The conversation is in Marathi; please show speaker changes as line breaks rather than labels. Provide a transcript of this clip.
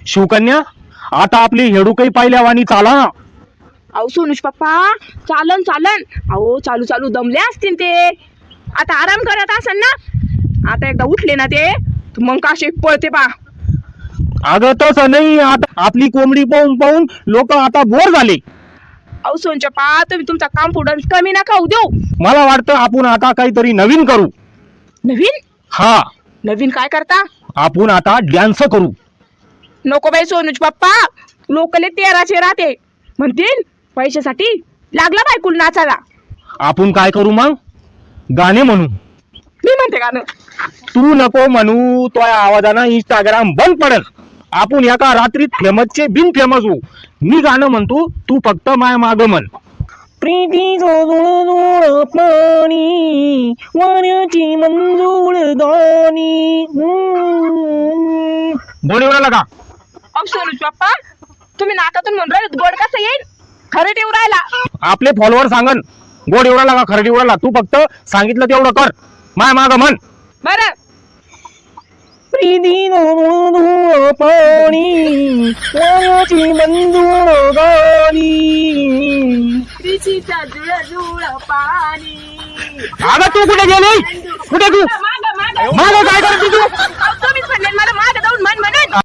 शिवकन्या, आता आपली हेडूकही पाहिल्यावानी चाला ना.
अहो सोनुष पप्पा, चालन चालन. अहो चालू चालू दमले असतील ते, आता आराम करत असेल ना. आता एकदा उठले ना ते मग काशे पळते पा.
अगं तसं नाही, आता आपली कोंबडी पाहून पाहून लोक आता बोर झाले.
अहो सोनचप्पा, तुम्ही तुमचा कॉन्फिडन्स कमी नका होऊ देऊ.
मला वाटतं आपण आता काहीतरी नवीन करू.
नवीन?
हा,
नवीन काय करता?
आपण आता डान्स करू.
नको बाई सोनुष पप्पा, लोकले 13चे राहते म्हणतील पैशासाठी लागला बायकुल नाचाला.
आपण काय करू मग? गाणे म्हणू.
मी म्हणते गाणं.
तू नको म्हणू, तो आवाजानं इंस्टाग्राम बंद पडेल. आपण एका रात्रीत फेमसचे बिन फेमस होऊ. मी गाणं म्हणतो, तू फक्त माय माग म्हण. प्रीतीचं पाणी वाऱ्याची मंजूळ दाणी. गोड एवढा का?
अहो सोनुष पप्पा, तुम्ही नाकातून म्हणून राहिले, गोड कसं येईल? खरं ठेवू राहिला.
आपले फॉलोअर सांगन गोड एवढा लागा, खरं एवढा लागा. तू फक्त सांगितलं तेवढं कर, माय माग म्हण.
बरं.
प्रीतीचं पाणी वाऱ्याची मंजूळ दाणी.
प्रीतीचा जुळ पाणी.
अगं तू कुठे गेली? कुठे तू?
मागं, मागं.
मागं काय करते तू?
अहो, तुम्हीच म्हणले मला मागं जाऊन म्हण म्हणून.